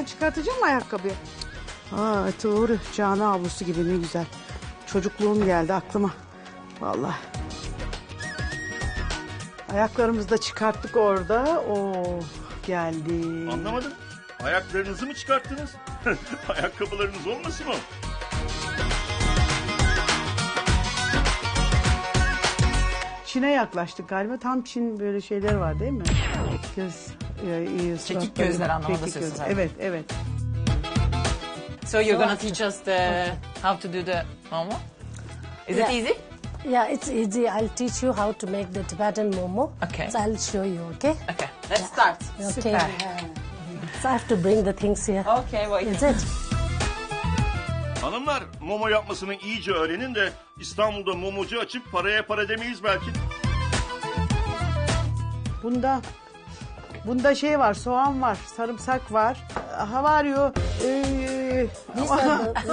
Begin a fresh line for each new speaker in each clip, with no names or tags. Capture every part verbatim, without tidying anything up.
çıkartacağım mı ayakkabıyı? Aa doğru. Cana avlusu gibi ne güzel. Çocukluğum geldi aklıma. Vallahi. Ayaklarımızı da çıkarttık orada. Oo geldi.
Anlamadım. Ayaklarınızı mı çıkarttınız? Ayakkabılarınız olmasın o?
Çin'e yaklaştık galiba. Tam Çin böyle şeyler var değil mi? Göz, e, iyi,
Çekik
suratları,
gözler anlamında
çekik
söylüyorsun
göz.
sen.
Evet, evet.
So you're gonna teach us the how to do the momo? Is
Yeah.
it easy?
Yeah, it's easy. I'll teach you how to make the Tibetan momo.
Okay.
So I'll show you, okay?
Okay, let's start.
Okay.
Süper.
So I have to bring the things here.
Okay, wait.
Is it?
Hanımlar, momo yapmasını iyice öğrenin de İstanbul'da momocu açıp paraya para demeyiz belki.
Bunda bunda şey var, soğan var, sarımsak var. How are you? Ee,
These are the,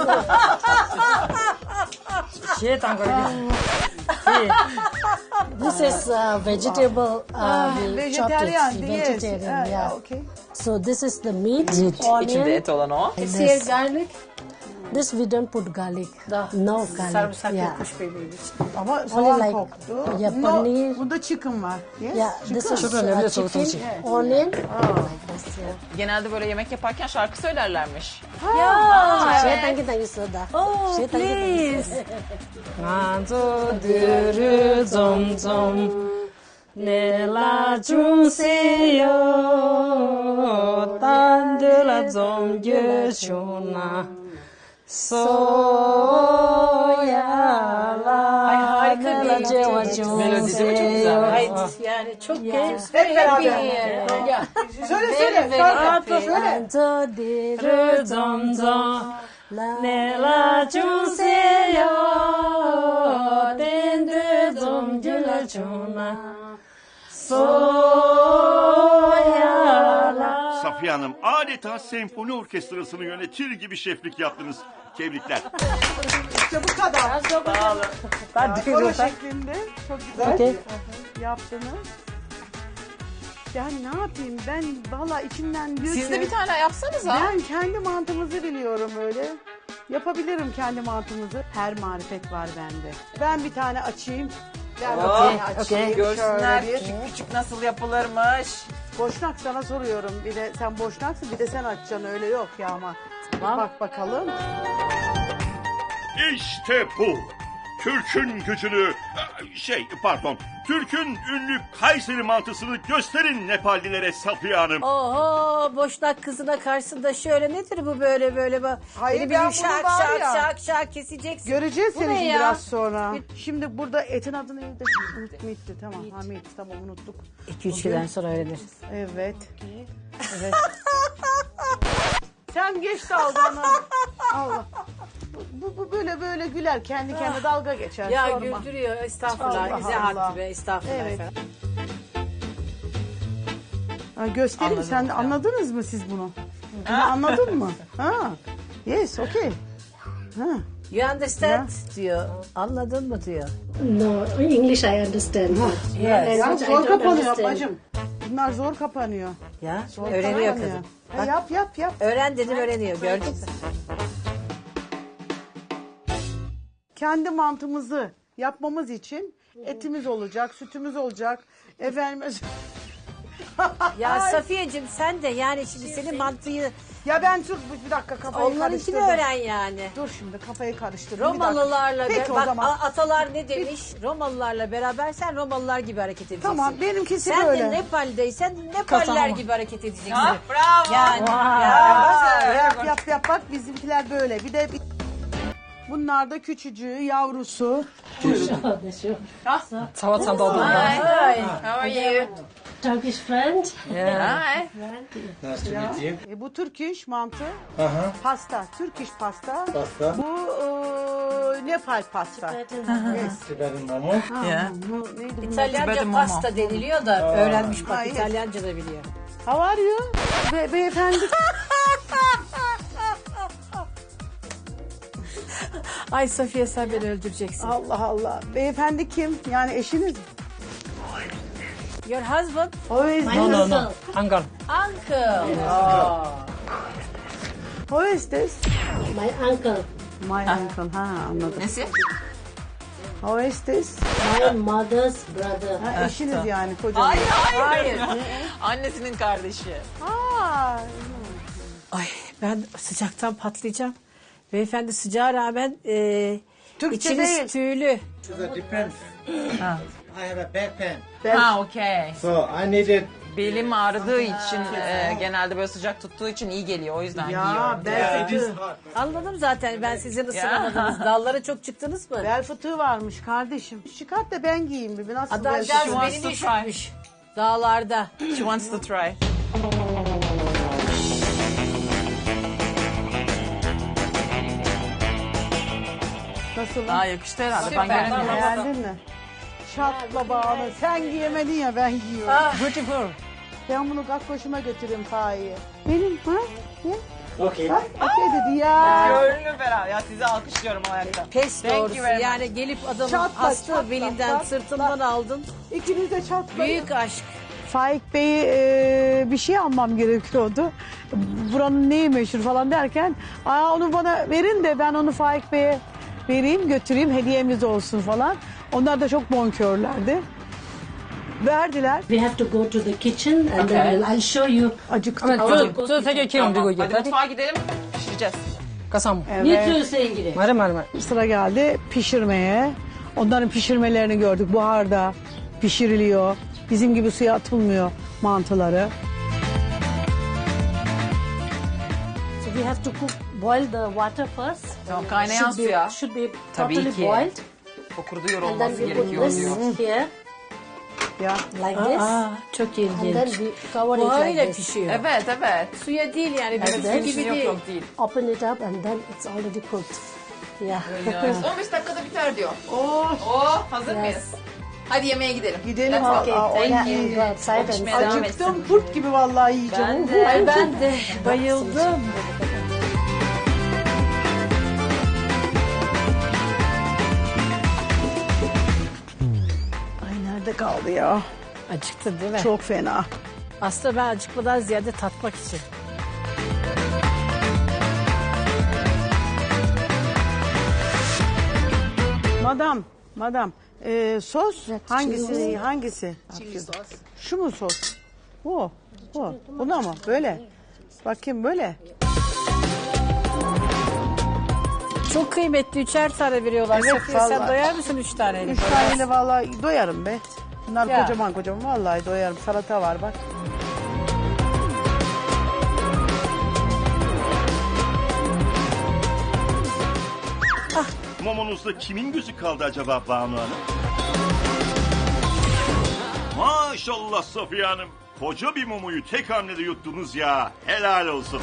this is uh, vegetable. Uh, we chopped it.
vegetarian, yes.
Vegetarian,
Ah,
yeah.
okay.
So this is the meat,
İçinde
onion.
et olan o.
This.
Here garlic.
This we don't put garlic. No garlic.
Sarımsak
yeah.
yokmuş bebeğim için.
Ama soğan
like-
koktu.
Yeah,
No,
paneer.
bunda chicken var. Yes,
Yeah, this
chicken.
is uh, chicken, onion. Like this, yeah.
Genelde böyle yemek yaparken şarkı söylerlermiş.
Share thank you, thank you, soda.
Oh,
Share thank you, thank you.
please.
Nganzo duru zom zom nela jungseyo tandela zom yeshona soyala.
Ay harika bir
Melodisi mi çok güzel?
Ay yani çok güzel.
Hep beraber.
Ya.
Söyle söyle. Şarkı söyle.
Nganzo duru zom zom nela jungseyo tandela zom yeshona soyala.
Safiye Hanım adeta senfoni orkestrasını yönetir gibi şeflik yaptınız. Tebrikler.
İşte bu kadar. Koro şeklinde. Çok güzel
Okay.
yaptınız. Ya ne yapayım ben valla içimden diyor
Siz
ki,
de bir tane yapsanıza.
ben kendi mantımızı biliyorum öyle. Yapabilirim kendi mantımızı. Her marifet var bende. Ben bir tane açayım. Ben bir
Oh,
tane açayım.
Görsünler
Şöyle bir.
küçük küçük nasıl yapılırmış.
Boşnak sana soruyorum. Bir de sen boşnaksın bir de sen açacaksın öyle yok ya ama. Bak bakalım.
İşte bu. Türk'ün gücünü, şey pardon, Türk'ün ünlü Kayseri mantısını gösterin Nepallilere Safiye Hanım.
Oho boşnak kızına karşısında şöyle nedir bu böyle böyle bak.
Hayır,
Beni
ben
bir
bunu
şak
var
şak
ya.
şak şak keseceksin.
Göreceğiz
Bu
seni
ne
şimdi
ya?
biraz sonra. Şimdi burada etin adını evde unut Meat'ti tamam. Ha Meat tamam unuttuk.
iki üç yıldan sonra öğreniriz.
Evet. Evet. Sen geç dalganı. Allah. Bu, bu böyle böyle güler kendi kendine dalga geçer.
Ya
sorma.
güldürüyor estağfurullah.
Allah
Bize
Allah.
hakkı be estağfurullah.
Evet.
efendim.
Ha, göstereyim
Anladım
sen
hocam.
anladınız mı siz bunu? Bunu anladın mı? Ha. Yes, okay. Ha.
You understand diyor. Anladın mı diyor.
No, English I understand.
Yes.
Ya
Language I
zor
don't
kapanıyor
understand.
bacım. Bunlar zor kapanıyor.
Ya
Zor
öğreniyor
kapanıyor.
kızım.
Ha, yap yap yap.
Öğren dedim öğreniyor gördün mü?
Kendi mantımızı yapmamız için etimiz olacak, sütümüz olacak. Efendim
Ya Safiyeciğim sen de yani şimdi senin mantıyı
ya ben dur bir dakika kafayı
onlarınkini
karıştırdım.
öğren yani.
Dur şimdi kafayı karıştırdım. bir dakika.
Romalılarla
Peki
be-
o
bak
zaman.
a- atalar ne demiş? Romalılarla beraber sen Romalılar gibi hareket edeceksin.
Tamam benimkisi
Sen
böyle.
de Nepal'deysen Nepaller
Tamam.
gibi hareket edeceksin.
Ha, bravo.
Yani
Ya, yap yap yap bak bizimkiler böyle. Bir de bir... Bunlar da küçücüğü, yavrusu.
Tava doldu.
Ay,
How are you?
Turkish friend.
Hi.
Nice to meet you.
E, bu Türk iş mantı.
Uh-huh.
Pasta, Türk iş pasta.
Pasta.
Bu e, Nepal pasta. Yes.
Tibetan momo.
Yeah.
Bu neydi bu?
İtalyanca
Tibetan
pasta
mama.
deniliyor da öğrenmiş bak
Hayır.
İtalyanca da biliyor.
How are you? Be beyefendi.
Ay Safiye sen beni öldüreceksin.
Allah Allah. Beyefendi kim? Yani eşiniz mi?
Your husband?
O is
No, no, no.
Uncle.
Who is this?
My uncle,
My uncle. Ha anladım.
Nesi?
Who is this?
my mother's brother.
Ha, eşiniz yani kocanız.
Hayır, hayır. Annesinin kardeşi.
Aa,
Ay ben sıcaktan patlayacağım. Beyefendi sıcağa rağmen e,
Türkçe
içiniz
değil.
tüylü.
So depends. I have a back pain.
ben,
Ha okey.
So I needed
Belim ağrıdığı için e, genelde böyle sıcak tuttuğu için iyi geliyor. O yüzden
ya
giyiyorum.
bel
it is
fıtığı.
hot.
Anladım zaten ben sizin ısınamadınız. Dallara çok çıktınız mı?
Bel fıtığı varmış kardeşim. Çıkart da ben giyeyim bir. Nasıl bel
Adamcağız
fıtığı?
wants
beni
to
düşürmüş. Dağlarda.
She wants to try.
Nasıl?
Daha yakıştı herhalde.
Süper.
Ben göremiyorum.
Beğendin mi? Şatla bağlı. Sen giyemedin ya ben giyiyorum.
Beautiful.
Ben bunu kakkoşuma götüreyim Fahiye. Benim ha? Ne?
Okay.
Bak okey dedi ya.
Gönlüm ferah. Ya sizi alkışlıyorum o ayakta.
Pes
Thank you
doğrusu.
very much.
Yani gelip adamın
Çatla,
hasta
çatla,
belinden
çatla.
sırtından aldın.
İkiniz de çatlayın.
Büyük aşk.
Faik Bey'i e, bir şey almam gerekiyordu. Buranın neyi meşhur falan derken Aa, onu bana verin de ben onu Faik Bey'e vereyim götüreyim hediyemiz olsun falan. Onlar da çok bonkörlerdi. Verdiler.
We have to go to the kitchen and
Okay.
then I'll, I'll show you.
Acıktık.
저, 저 되게 귀여운
Tamam.
미국이.
Hadi mutfağa gidelim. Pişireceğiz.
가서
Ne diyorsun İngiliz?
말해 말해 말.
Sıra geldi pişirmeye. Onların pişirmelerini gördük. Buharda pişiriliyor. Bizim gibi suya atılmıyor mantıları.
So we have to cook, boil the water first.
Tamam, kaynayan
Should be-
suya.
Should be
Tabii
totally
ki.
boiled.
Fokurduyor
And then
olması
we put
gerekiyor
this
diyor.
here
Ya
like this.
Aa, çok
And then
ilginç.
we cover it
Buharıyla
like this.
pişiyor.
Evet evet.
Suya değil yani.
Evet,
Bizim
suyun
gibi
içinde yok
değil.
yok değil.
Open it up and then it's already cooked. Yeah.
on beş dakikada biter diyor. Oo. Oo, hazır mıyız? Hadi yemeğe gidelim.
gidelim.
Let's go.
Okay,
Aa, o
thank
ne-
you. Go outside and
Pişmeye devam
Acıktım
etsin.
kurt gibi vallahi yiyeceğim.
Ben de.
Ay ben de bayıldım.
Ay nerede kaldı ya?
Acıktın değil mi?
Çok fena.
Aslında ben acıkmadan ziyade tatmak için.
Madam, madam. Ee, sos hangisi? Hangisi? Şu mu sos? Bu. Bu. Buna mı? Böyle. Bakayım böyle.
Çok kıymetli üçer tane veriyorlar.
Evet,
Safiye, sen
vallahi.
doyar mısın üç taneyle?
Üç taneyle vallahi doyarım be. Bunlar
Ya.
kocaman kocaman vallahi doyarım. Salata var bak.
Mumunuzda kimin gözü kaldı acaba Banu Hanım? Maşallah Safiye Hanım. Koca bir mumuyu tek hamlede yuttunuz ya. Helal olsun.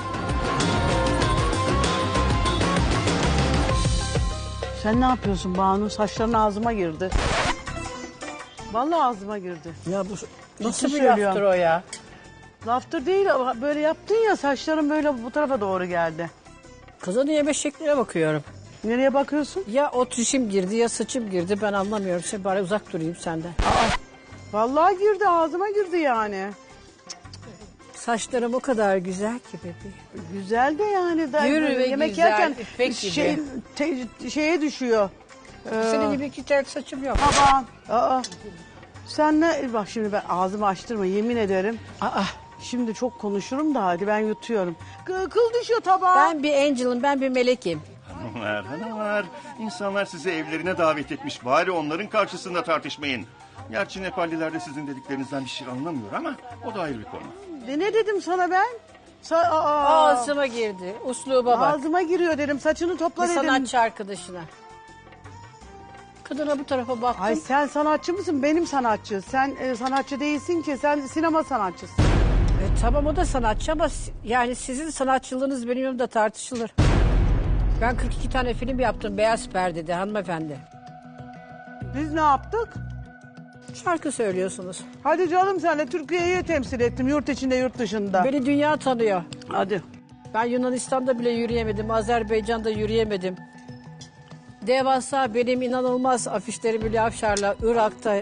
Sen ne yapıyorsun Banu? Saçların ağzıma girdi. Vallahi ağzıma girdi.
Ya bu nasıl
Ciddi
bir laftır
söylüyorum.
o ya?
Laftır değil ama böyle yaptın ya saçların böyle bu tarafa doğru geldi.
Kızın yeme şekline bakıyorum.
Nereye bakıyorsun?
Ya o tüşüm girdi ya saçım girdi ben anlamıyorum. Sen bari uzak durayım senden.
Vallahi girdi ağzıma girdi yani.
Saçlarım o kadar güzel ki bebeğim.
Güzel de yani. Da,
Yürü ve
yemek
güzel,
yerken
ipek gibi.
şey, te- şeye düşüyor. Ee,
Senin gibi iki tel saçım yok.
Taban. Aa. Sen ne? Bak şimdi ben ağzımı açtırma yemin ederim.
Aa,
Şimdi çok konuşurum da hadi ben yutuyorum. Kı- Kıl düşüyor tabağa.
ben bir angel'ım, ben bir melekim.
Hanımlar, hanımlar. İnsanlar sizi evlerine davet etmiş. Bari onların karşısında tartışmayın. Gerçi Nepalliler de sizin dediklerinizden bir şey anlamıyor ama o da ayrı bir konu.
De ne dedim sana ben? Sa- aa,
Ağzıma girdi. Usluba bak.
Ağzıma giriyor dedim. Saçını topla
Bir
dedim.
sanatçı arkadaşına. Kadına bu tarafa baktım.
Ay sen sanatçı mısın? Benim sanatçı. Sen e, sanatçı değilsin ki. Sen sinema sanatçısın.
E, tamam o da sanatçı ama si- yani sizin sanatçılığınız benim yanımda tartışılır. Ben kırk iki tane film yaptım Beyaz Perde'de hanımefendi.
Biz ne yaptık?
Şarkı söylüyorsunuz.
Hadi canım senle Türkiye'yi temsil ettim. Yurt içinde yurt dışında.
Beni dünya tanıyor.
Hadi.
Ben Yunanistan'da bile yürüyemedim. Azerbaycan'da yürüyemedim. Devasa benim inanılmaz afişlerim Hülya Avşar'la Irak'ta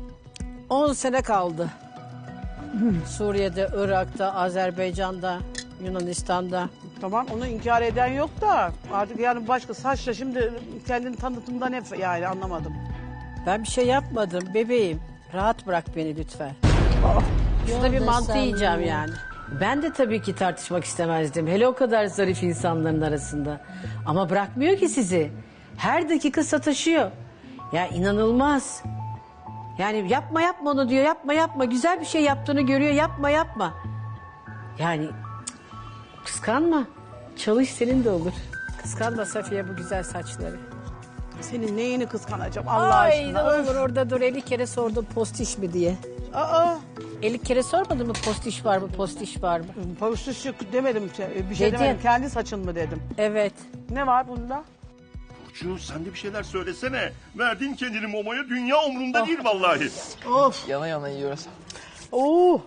on sene kaldı. Suriye'de, Irak'ta, Azerbaycan'da. Yunanistan'da.
Tamam onu inkar eden yok da artık yani başka saçla şimdi kendini tanıtımda ne yani anlamadım.
Ben bir şey yapmadım bebeğim. Rahat bırak beni lütfen. Şurada bir mantı yiyeceğim yani. Ben de tabii ki tartışmak istemezdim. Hele o kadar zarif insanların arasında. Ama bırakmıyor ki sizi. Her dakika sataşıyor. Ya inanılmaz. Yani yapma yapma onu diyor. Yapma yapma. Güzel bir şey yaptığını görüyor. Yapma yapma. Yani cık, kıskanma. Çalış senin de olur. Kıskanma Safiye bu güzel saçları.
Senin neyini kıskanacağım Allah
Ay
aşkına.
ne
Öf.
olur orada dur elli kere sordum postiş mi diye.
Aa,
elli kere sormadın mı postiş var mı postiş var mı?
pavuşluş yok demedim bir şey
Dedin.
demedim. Kendi saçın mı dedim.
Evet.
Ne var bunda?
Burcu sen de bir şeyler söylesene. Verdin kendini Momo'ya, dünya umrunda değil vallahi.
Of.
Yana yana yiyoruz.
Oo.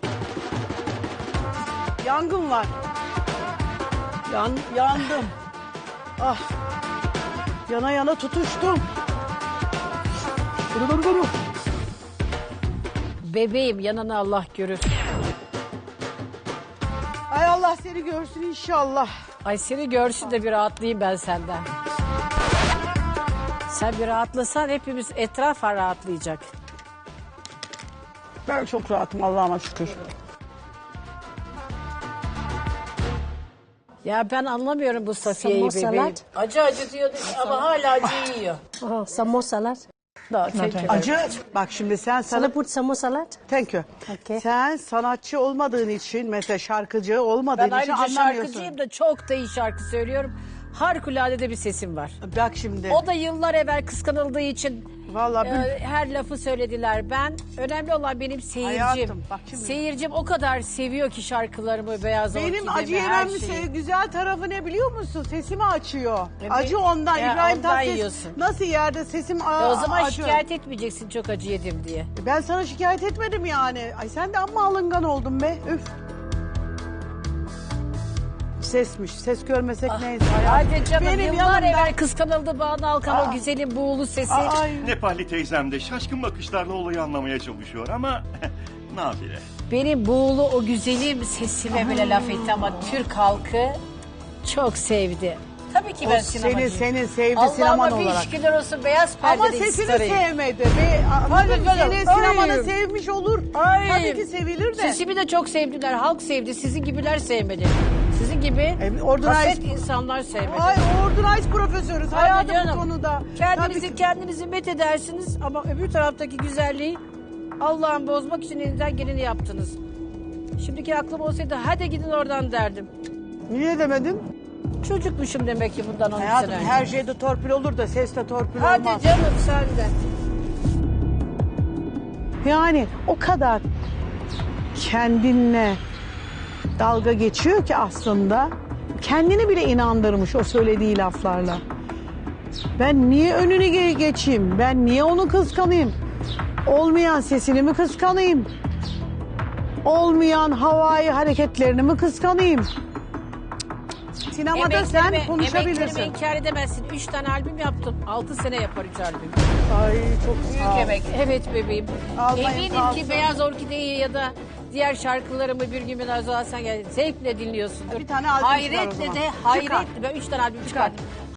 Yangın var. Yan, yandım. Ah. Yana yana tutuştum. Guru guru guru.
Bebeğim yanına Allah görür.
Ay Allah seni görsün inşallah.
Ay seni görsün de bir rahatlayayım ben senden. Sen bir rahatlasan hepimiz etraf rahatlayacak.
Ben çok rahatım Allah'ıma şükür.
Ya ben anlamıyorum bu Safiye'yi
Samosalar.
bebeğim. Acı acı diyor ama hala acı yiyor.
Oh, samosalar.
No, thank you.
Acı. Bak şimdi sen
Sana
sana...
put samosalar?
Thank you.
Okay.
Sen sanatçı olmadığın için mesela şarkıcı olmadığın
Ben
için
ayrıca
anlamıyorsun.
şarkıcıyım da çok da iyi şarkı söylüyorum. Harikulade de bir sesim var.
Bak şimdi.
O da yıllar evvel kıskanıldığı için
Vallahi bil-
e, her lafı söylediler. Ben önemli olan benim seyircim.
Hayatım, bak şimdi.
Seyircim o kadar seviyor ki şarkılarımı, Beyaz
Benim
Orkide'mi,
acı
her
yemem
şeyi.
güzel tarafı ne biliyor musun? Sesimi açıyor.
Evet.
Acı ondan.
Ya
İbrahim
ondan
Tatlıses
yiyorsun.
nasıl yerde sesim
E
a-
o zaman
acı.
şikayet etmeyeceksin çok acı yedim diye.
Ben sana şikayet etmedim yani. Ay sen de amma alıngan oldun be. Üf. Sesmiş. Ses görmesek neyse. hayatım.
Hadi canım
Benim
yıllar
yanımda-
evvel kıskanıldı Banu Alkan
Aa.
o güzelim buğulu sesi.
Ay.
Nepalli teyzem de şaşkın bakışlarla olayı anlamaya çalışıyor ama nafile.
Benim buğulu o güzelim sesime bile laf etti ama Türk halkı çok sevdi. Tabii ki
O
ben
senin,
sinemacıyım.
senin sevdi sineman
Allah'ıma bir
olarak.
şükürler olsun beyaz
Ama
perdede
sesini
starıyım.
sevmedi. Ve
Hadi
anladın mı?
canım,
Senin sinemanı
ay.
sevmiş olur.
Ay.
Tabii ki sevilir de.
Sesimi de çok sevdiler. Halk sevdi. Sizin gibiler sevmedi. Sizin gibi
E, organize-
kaset insanlar sevmedi.
Ay organize profesörüz
Hadi
hayatım bu
canım.
konuda.
Kendinizi
Tabii ki-
kendinizi met edersiniz ama öbür taraftaki güzelliği Allah'ın bozmak için elinden geleni yaptınız. Şimdiki aklım olsaydı hadi gidin oradan derdim.
Niye demedin?
Çocukmuşum demek ki bundan on üç
Hayatım
sene önce.
her şeyde torpil olur da seste torpil
Hadi
olmaz.
canım sen de.
Yani o kadar kendinle dalga geçiyor ki aslında kendini bile inandırmış o söylediği laflarla. Ben niye önünü ge- geçeyim? Ben niye onu kıskanayım? Olmayan sesini mi kıskanayım? Olmayan havai hareketlerini mi kıskanayım? Sinemada sen
Emeklerimi-
konuşabilirsin.
Emeklerimi inkar edemezsin. Üç tane albüm yaptım. Altı sene yapar üç albüm.
Ay çok
Büyük
sağ ol.
emek. Evet bebeğim.
Almayın,
Eminim
sağ
ki
olsun.
Beyaz Orkide'yi ya da diğer şarkılarımı bir gün biraz daha sen gel. Zevkle dinliyorsundur.
Bir tane albüm çıkar o
Hayretle
zaman.
de
Çıkar.
hayretle. Ben üç tane albüm çıkardım.